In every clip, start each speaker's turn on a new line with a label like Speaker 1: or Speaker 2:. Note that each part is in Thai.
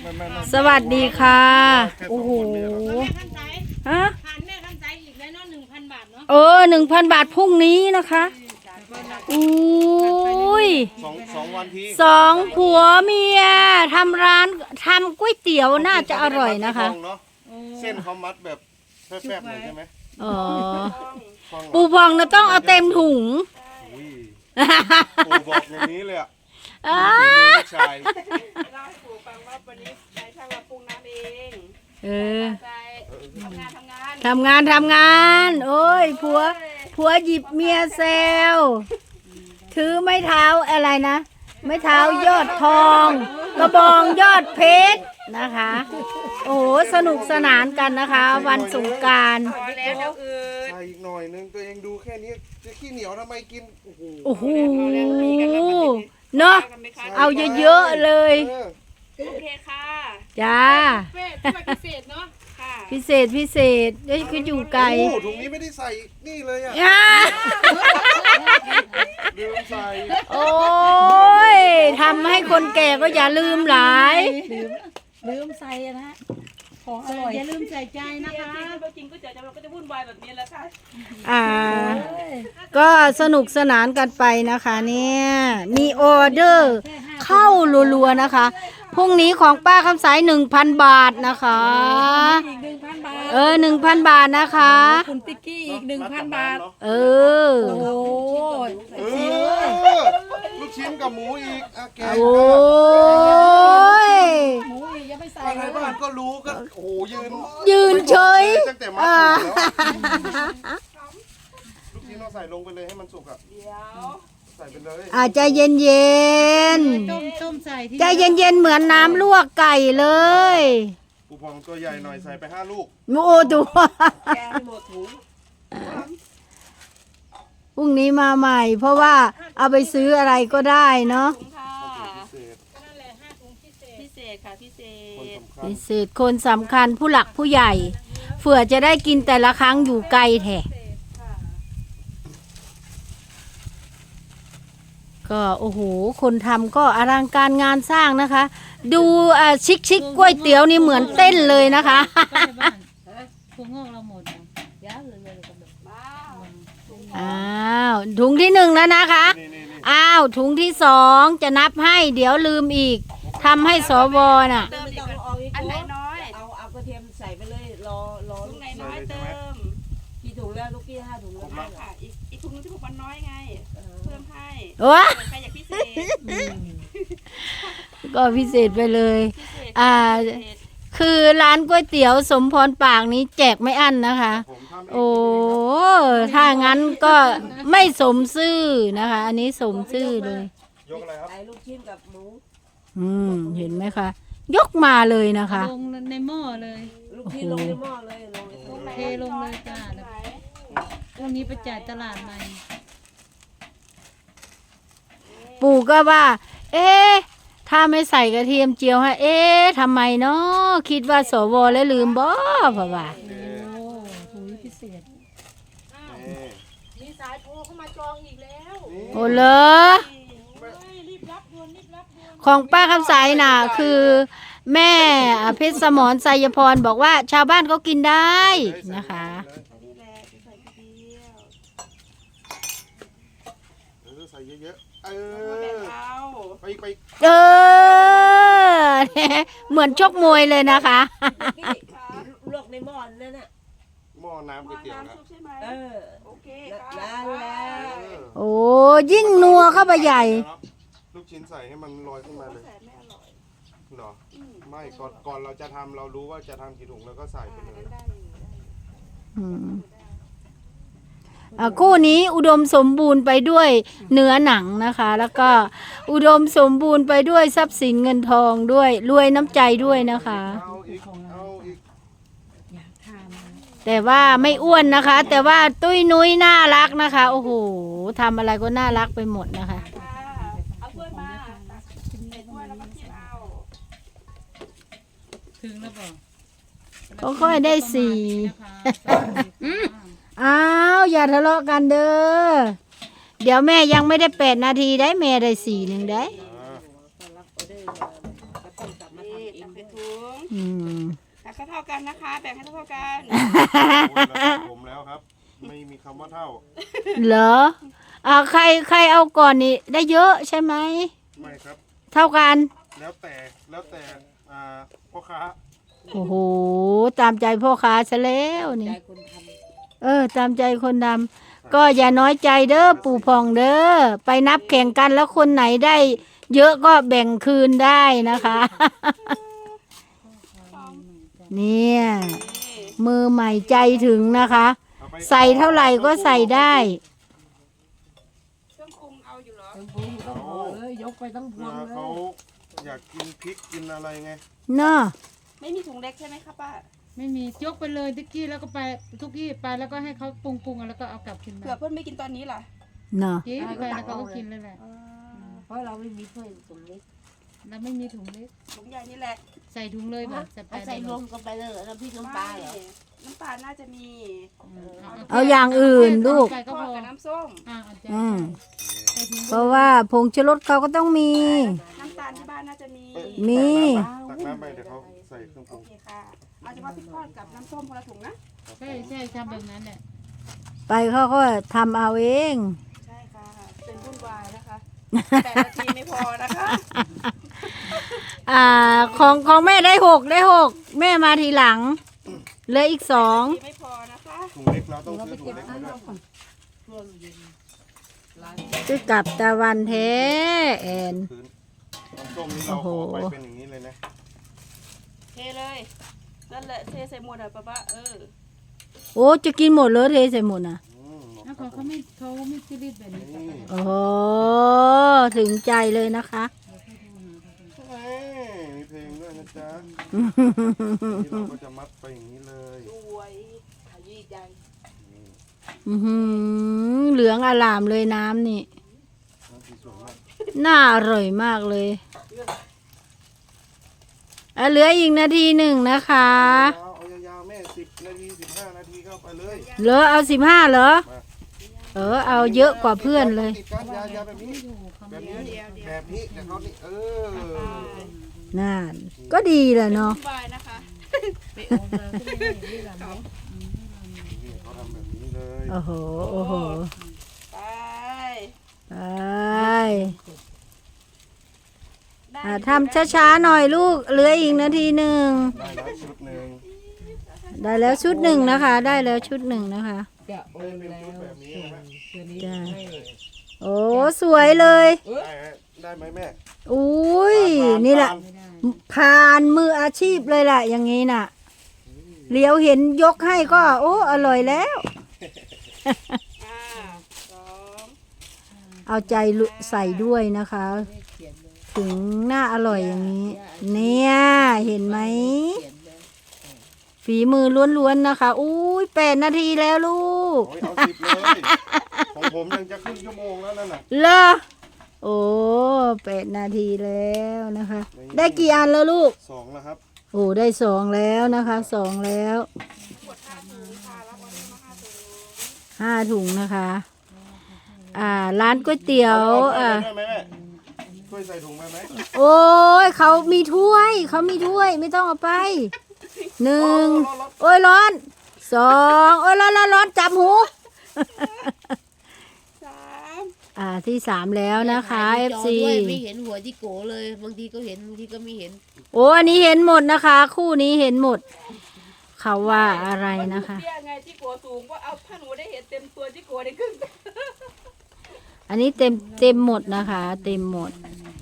Speaker 1: สวัสดีค่ะโอ้โหฮะ
Speaker 2: ผ่านแม่คำใจอีกแล้วเนาะ1,000 บาทเนาะ
Speaker 1: 1,000 บาทพรุ่งนี้นะคะอุ้ย
Speaker 3: 2 วันที
Speaker 1: สองผัวเมียทำร้านทำก๋วยเตี๋ยวน่าจะอร่อยนะคะ
Speaker 3: เส้นเขามัดแบบแฟบๆหน่อยใช่ไหม
Speaker 1: อ๋อปูพองนะต้องเอาเต็มถุง
Speaker 3: ปูบอกอย่างนี้เลยอ่ะชาย
Speaker 2: เล่าให้ปู่ฟังว่าวันนี้นายช่างมาปรุงน้ำเองทำงาน
Speaker 1: โอ้ยผัวหยิบเมียแซวถือไม้เท้าอะไรนะไม้เท้ายอดทองกระบองยอดเพชรนะคะโอ้โหสนุกสนานกันนะคะวันสงกรานต์
Speaker 3: ใส่อีกหน่อยนึงตัวเองดูแค่นี้จะขี้เหนียวทำไมกิน
Speaker 1: โอ้โหเนาะเอาเยอะๆเลย
Speaker 2: โอเคค่ะ
Speaker 1: จ้า
Speaker 2: พิเศษเนาะค่ะ
Speaker 1: พิเศษเดี๋ยวคืออยู่ไกล
Speaker 3: ถุงนี้ไม่ได้ใส่นี่เลยอ่ะลืมใส่
Speaker 1: โอ้ยทำให้คนแก่ก็อย่าลืมหลาย
Speaker 4: ลืมใส่นะของอร่อย
Speaker 2: อย่าลืมใส่ใจนะคะจริงก็จะเราก็จะวุ่นวายแบบนี้แหละ
Speaker 1: ค่ะก็สนุกสนานกันไปนะคะเนี่ยมีออเดอร์เข้ารัวๆนะคะพรุ่งนี้ของป้าคำสาย 1,000 บาทนะคะ
Speaker 4: อีก 1,000 บาท
Speaker 1: 1,000 บาทนะคะ
Speaker 4: คุณติ๊กกี้อีก 1,000 บาท
Speaker 1: โอ้
Speaker 3: ลูกชิ้นกับหมูอีกแกง
Speaker 1: โอ้ย
Speaker 4: หมูอีกยังไม่ใส่
Speaker 3: อะไรบ้างก็รู้ก็โอ้
Speaker 1: ยืนเฉย
Speaker 3: ตั้งแต่มาแล้วลูกชิ้นเราใส่ลงไปเลยให้มันสุกอ่ะใส่ไปเลย
Speaker 1: ใจเย็น
Speaker 4: ต้มใส่
Speaker 1: ใจเย็นเหมือนน้ำลวกไก่เลย
Speaker 3: ปูพองตัวใหญ่หน่อยใส่ไป5 ลูก
Speaker 1: โอ้ตัว
Speaker 2: แกงหมดถุง
Speaker 1: พรุ่งนี้มาใหม่เพราะว่าเอาไปซื้ออะไรก็ได้เนาะ
Speaker 2: นั่นแหละ5 ถุงพิเศษค่ะพิเศษ
Speaker 1: คนสำคัญผู้หลักผู้ใหญ่เผื่อจะได้กินแต่ละครั้งอยู่ไกลแท้ก็โอ้โหคนทำก็อลังการงานสร้างนะคะดูชิคก๋วยเตี๋ยวนี่เหมือนเต้นเลยนะคะ
Speaker 4: พวงงอกเราหมดย้าเลย
Speaker 1: อ้าวถุงที่1แล้วนะคะอ้าวถุงที่2จะนับให้เดี๋ยวลืมอีกทำให้สวน่ะ
Speaker 2: อันไหนน้อย
Speaker 4: เอากระเทียมใส่ไปเลยรอ
Speaker 2: ถุงไหนน้อยเติม
Speaker 4: กี่ถุงแล้วลูกพี่5 ถุงแล้ว
Speaker 2: ค่ะอีกถุงนึงที่ผมมันน้อยไงเพิ่มให้ใครอยากพิเศษ
Speaker 1: ก็พิเศษไปเลยคือร้านก๋วยเตี๋ยวสมพรปากนี้แจกไม่อั้นนะคะโอ้ถ้างั้นก็ไม่สมซื่อนะคะอันนี้สมซื่อเลย
Speaker 3: ยกอะไรครับ
Speaker 4: ลูกชิ้นกับหมู
Speaker 1: เห็นไหมคะยกมาเลยนะคะ
Speaker 4: ลงในหม้อเลยลูกชิ้นลงในหม้อเลยเทลงเลยจ้าพรุ่งนี้ไปจ่ายตลาดใหม่
Speaker 1: ปู่ก็ว่าถ้าไม่ใส่กระเทียมเจียวให้ทำไมเนาะคิดว่าสวแล้วลืมบ่เพราะว่า
Speaker 4: ถุงพิเศษ
Speaker 2: มีสายโทรเข้ามาจองอีกแล้ว
Speaker 1: โอ้เหรอ
Speaker 2: รีบรับด่วน
Speaker 1: ของป้าคำสายน่ะคือแม่เพชรสมรไสยพรบอกว่าชาวบ้านก็กินได้นะคะ
Speaker 3: ใส่เยอะๆไป
Speaker 1: เหมือนชกมวยเลยนะคะ
Speaker 4: ลวกในหม้อนั่นน่ะ
Speaker 3: หม้อน้ำก๋วยเตี๋ยวนะ
Speaker 2: โอเค
Speaker 1: โอ้ยิ่งนัวเข้าไปใหญ่
Speaker 3: ลูกชิ้นใส่ให้มันลอยขึ้นมาเลยเหรอไม่ก่อนเราจะทำเรารู้ว่าจะทำกี่ถุงแล้วก็ใส่ไปเลย
Speaker 1: คู่นี้อุดมสมบูรณ์ไปด้วยเนื้อหนังนะคะแล้วก็อุดมสมบูรณ์ไปด้วยทรัพย์สินเงินทองด้วยรวยน้ำใจด้วยนะคะแต่ว่าไม่อ้วนนะคะแต่ว่าตุ้ยนุ้ยน่ารักนะคะโอ้โหทำอะไรก็น่ารักไปหมดนะคะ
Speaker 2: เอาถ้วยมาใส่ถ้วยแล้วก็จิ้มเอา
Speaker 4: ถึงแล้วบอก
Speaker 1: ก็ค่อยได้อ้าวอย่าทะเลาะกันเด้อเดี๋ยวแม่ยังไม่ได้8 นาทีได้แม่ได้4 นึงได้
Speaker 2: เป็นถุง
Speaker 1: อืม
Speaker 2: แบ่งเท่ากันนะคะ แบ่งให้เท่ากัน
Speaker 3: โอ้ยระดับผมแล้วครับ ไม่มีคำว่าเท่า
Speaker 1: เหรอใครเอาก่อนนี่ได้เยอะใช่ไหม
Speaker 3: ไม่ครับ
Speaker 1: เท่ากัน
Speaker 3: แล้วแต่พ่อค้า
Speaker 1: โอ้โหตามใจพ่อค้าซะแล้วนี่ ตามใจคนดำก็อย่าน้อยใจเด้อปู่พองเด้อไปนับแข่งกันแล้วคนไหนได้ เยอะก็แบ่งคืนได้นะคะ เนี่ย มือใหม่ใจถึงนะคะ
Speaker 3: เอาไป
Speaker 1: ใส่เท่าไหร่ก็ใส่ได้
Speaker 2: เครื่องปรุงเอาอยู่เหรอ
Speaker 5: ยกไปทั้งพว
Speaker 3: เผื่อง
Speaker 5: เล
Speaker 3: เขา
Speaker 5: ย
Speaker 3: อยากกินพริกกินอะไรไง
Speaker 1: เนาะ
Speaker 2: ไม่มีถุงเล็กใช่ไหมคะป้า
Speaker 4: ไม่มียกไปเลยทุกกี้แล้วก็ไปทุกกี้ไปแล้วก็ให้เขาปรุงแล้วก็เอากลับขึ้นมา
Speaker 2: เผื่อเพื่อนไม่กินตอนนี้ล่ะ
Speaker 1: เนาะ
Speaker 4: กินไปแล้วเขาก็กินเลยแหละ
Speaker 5: เพราะเราไม่มีถ้วยถุงเล็ก
Speaker 4: แล้วไม่มีถุงเล็ก
Speaker 2: ถุงใหญ่นี่แหละ
Speaker 4: ใส่ถุงเลยแบบจะไป
Speaker 5: เอาใส่รวมกันไปเลยแล้วพี่น้ำปลาเหรอ
Speaker 2: น้ำปลาน่าจะมี
Speaker 1: เอาอย่างอื่นลูก
Speaker 4: ใส่ก็
Speaker 2: ท
Speaker 4: พ
Speaker 2: อด
Speaker 4: อ
Speaker 2: กับน้ำส้ม
Speaker 4: เอาใจ
Speaker 1: อืม
Speaker 4: ใส่ถุง
Speaker 1: เพราะว่าผงชูรสเขาก็ต้องมี
Speaker 2: น้ำตาลที่บ้านน่าจะมี
Speaker 1: มี
Speaker 3: ตักน้ำไปเดี๋ยวเขาใส่เครื่องป
Speaker 2: โอ
Speaker 3: รุง
Speaker 2: เคค่ะเอาเฉพาะพริกทอดกับน้ำส้มคนละถุงนะ
Speaker 4: ใช่ทำแบบนั้นแหละ
Speaker 1: ไปเขาก็ทำเอาเอง
Speaker 2: ใช่ค่ะ เป็นวุ่นวายนะคะ8 นาทีไม่พอนะคะ
Speaker 1: ของแม่ได้หกแม่มาทีหลังเหลืออีก
Speaker 2: นาที
Speaker 1: 2
Speaker 2: ไม่พอนะคะ
Speaker 3: ถุงเล็กเราต้องซื้อถุงเล็กมาด้วย
Speaker 5: ช่วงเย็นร้าน
Speaker 1: คือกับตะวันแท้แอน
Speaker 3: คืนน้ำส้มนี่เรา
Speaker 1: โอ้โห
Speaker 3: ขอไปเป็นอย่างนี้เลยนะ
Speaker 2: เทเลยนั่นแหละเทใส่หมดอ่ะป้า
Speaker 1: โอ้จะกินหมดเลยเทใส่หมดนะ
Speaker 4: แล้วเขาไม่ซีรีส์แบบนี้
Speaker 1: โอ้โหถึงใจเลยนะคะ
Speaker 3: เอ้ยมีเพลงด้วยนะจ๊ะนี่เราก็จะมัดไปอย่างนี้เลย
Speaker 2: สวยขยี้ใจ
Speaker 1: อื้อหือเหลืองอลามเลยน้ำนี่
Speaker 3: น้ำสีสวยมาก
Speaker 1: น่าอร่อยมากเลยเหลืออีกนาทีหนึ่งนะคะ
Speaker 3: เอายาวๆแม่10 นาที 15 นาทีเข้าไปเลย
Speaker 1: เหลือเอา15เหรอ เอาเยอะกว่าเพื่อนเลย
Speaker 3: ติดกันยาวๆแบบนี้แบบนี้แต่เขานี่
Speaker 1: นั่นก็ดีแหละเนาะ
Speaker 2: วุ่นวายนะคะ
Speaker 5: ไปโอมาก็ไม่ได้ที่ร้าน
Speaker 3: นี่เขาทำแบบนี้เลย
Speaker 1: โอ้โหโอ้โห
Speaker 2: ไป
Speaker 1: ไป
Speaker 2: ได้
Speaker 1: ทำช้าๆหน่อยลูกเหลืออีกนาทีหนึ่ง
Speaker 3: ได้แล้วชุดหนึ่ง
Speaker 1: ได้แล้วชุดหนึ่งนะคะ ได้แล้วชุดหนึ่งนะคะ
Speaker 5: จะโอนแล้วตัวนี้
Speaker 1: จ้ะ
Speaker 5: ให้
Speaker 1: โอ้สวยเลย
Speaker 3: ได้ไหมแม่
Speaker 1: อุ้ยนี่แหละ
Speaker 4: ไม่ได้
Speaker 1: ผ่านมืออาชีพเลยแหละอย่างนี้น่ะเลี้ยวเห็นยกให้ก็ โอ้อร่อยแล้ว
Speaker 2: 2
Speaker 1: เอาใจใส่ด้วยนะคะ
Speaker 5: เขียนเลย
Speaker 1: ถึงหน้าอร่อยอย่างนี้ เนี่ยเห็นไหม
Speaker 5: เขียนเลย
Speaker 1: ฝีมือล้วนๆนะคะอุ้ย8 นาทีแล้วลูก
Speaker 3: โอ้ยเอา10เลยของผมยังจะครึ่งชั่วโมงแล้วนั่นน่ะ
Speaker 1: เหรอโอ้8 นาทีแล้วนะคะ ได้กี่อันแล้วลูก
Speaker 3: 2แล้วครับ
Speaker 1: โอ้ได้2แล้วนะคะ2แล้ว5 ถุงนะคะ ร้านก๋วยเตี๋ยว
Speaker 3: เอาด้วยไหมแม่ช่วยใส่ถุงไปไหม
Speaker 1: โอ้ยเขามีถ้วยไม่ต้องเอาไป1โอ้ยร้อน2โอ้ยร้อนจับหู
Speaker 2: 3
Speaker 1: ที่3แล้วนะคะ
Speaker 5: ถ่าย
Speaker 1: FC
Speaker 5: จอด้วยไม่เห็นหัวที่โกเลยบางทีก็เห็นบางทีก็ไม่เห็น
Speaker 1: โอ้อันนี้เห็นหมดนะคะ คู่นี้เห็นหมด เขาว่าอะไรนะคะ
Speaker 2: เตี้ยไงที่กัวสูงก็เอาถ้าหนูได้เห็นเต็มตัวที่กัวได้ครึ่ง
Speaker 1: อันนี้เต็มหมดนะคะ เต็มหมด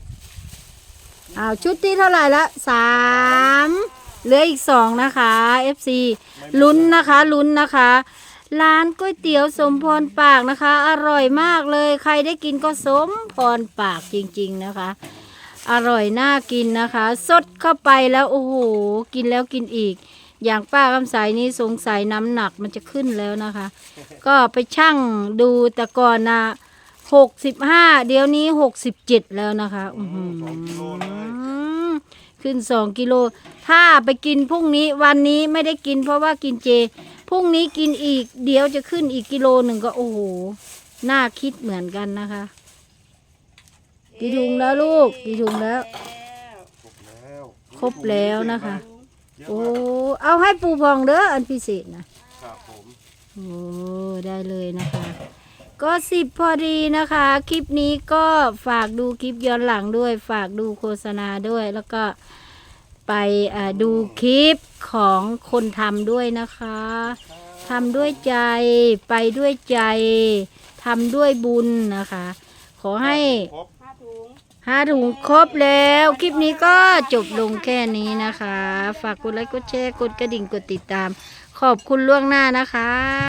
Speaker 1: ชุดที่เท่าไหร่ละ3เหลืออีก2นะคะ FC ลุ้นนะคะร้านก๋วยเตี๋ยวสมพรปากนะคะ อร่อยมากเลยใครได้กินก็สมพรปากจริงๆนะคะ อร่อยน่ากินนะคะสดเข้าไปแล้วโอ้โหกินแล้วกินอีก อย่างป้าคำใสนี่สงสัยน้ำหนักมันจะขึ้นแล้วนะคะ ก็ไปชั่งดูแต่ก่อนนะ65เดี๋ยวนี้67แล้วนะคะ
Speaker 3: 2 กิโลเลย
Speaker 1: ขึ้น2 กิโลถ้าไปกินพรุ่งนี้วันนี้ไม่ได้กินเพราะว่ากินเจพรุ่งนี้กินอีกเดี๋ยวจะขึ้นอีกกิโลหนึ่งก็โอ้โหน่าคิดเหมือนกันนะคะกี่ถุงแล้วลูกกี่ถุงแล้ว
Speaker 3: ครบแล้ว
Speaker 1: ครบแล้วนะคะ
Speaker 3: เยอะ
Speaker 1: โอ้
Speaker 3: มาก
Speaker 1: เอาให้ปูพองเด้ออันพิเศษนะครับ
Speaker 3: ผม
Speaker 1: โอ้ได้เลยนะคะ ก็10พอดีนะคะ คลิปนี้ก็ฝากดูคลิปย้อนหลังด้วย ฝากดูโฆษณาด้วย แล้วก็ไปดูคลิปของคนทำด้วยนะคะทำด้วยใจไปด้วยใจทำด้วยบุญนะคะ ขอให้
Speaker 3: ครบ
Speaker 1: 5 ถุงครบแล้ว คลิปนี้ก็จบลงแค่นี้นะคะ ฝากกดไลค์กดแชร์กดกระดิ่งกดติดตาม ขอบคุณล่วงหน้านะคะ